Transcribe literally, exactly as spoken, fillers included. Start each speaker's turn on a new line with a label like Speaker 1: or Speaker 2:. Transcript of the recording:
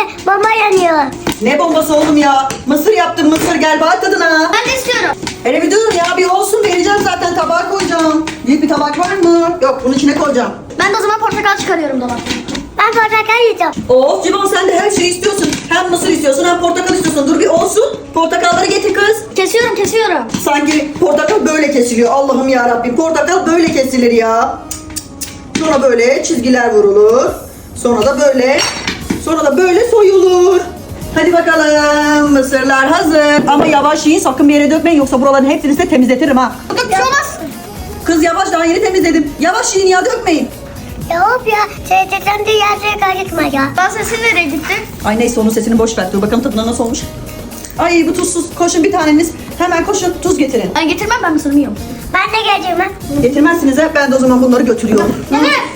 Speaker 1: bomba yanıyor.
Speaker 2: Ne bombası oğlum ya? Mısır yaptım mısır, gel bak tadına.
Speaker 1: Ben de istiyorum.
Speaker 2: Hele bir dur ya, bir olsun, vereceğim zaten, tabağa koyacağım. Büyük bir tabak var mı? Yok, bunun içine koyacağım.
Speaker 1: Ben de o zaman portakal çıkarıyorum dolaptan. Ben portakal yiyeceğim.
Speaker 2: Of Civan, sen de her şeyi istiyorsun. Hem mısır istiyorsun hem portakal istiyorsun. Dur bir olsun. Portakalları getir kız.
Speaker 1: Kesiyorum kesiyorum.
Speaker 2: Sanki portakal böyle kesiliyor. Allah'ım ya Rabbim. Portakal böyle kesilir ya. Sonra böyle çizgiler vurulur. Sonra da böyle. Sonra da böyle soyulur. Hadi bakalım. Mısırlar hazır. Ama yavaş yiyin, sakın bir yere dökmeyin. Yoksa buraların hepsini size temizletirim ha.
Speaker 1: Burada bir şey olmaz.
Speaker 2: Kız yavaş, daha yeni temizledim. Yavaş yiyin ya, dökmeyin.
Speaker 1: Ya hop ya. Şey dedem de yerlere kaçırma ya. Ben sesin nereye gitti?
Speaker 2: Ay neyse, onun sesini boş ver. Dur bakalım tadına nasıl olmuş. Ay bu tuzsuz. Koşun bir taneniz. Hemen koşun, tuz getirin.
Speaker 1: Ben getirmem, ben mısırımı yiyorum. Ben de geleceğim ha.
Speaker 2: Getirmezsiniz ha. Ben de o zaman bunları götürüyorum.
Speaker 1: Dede.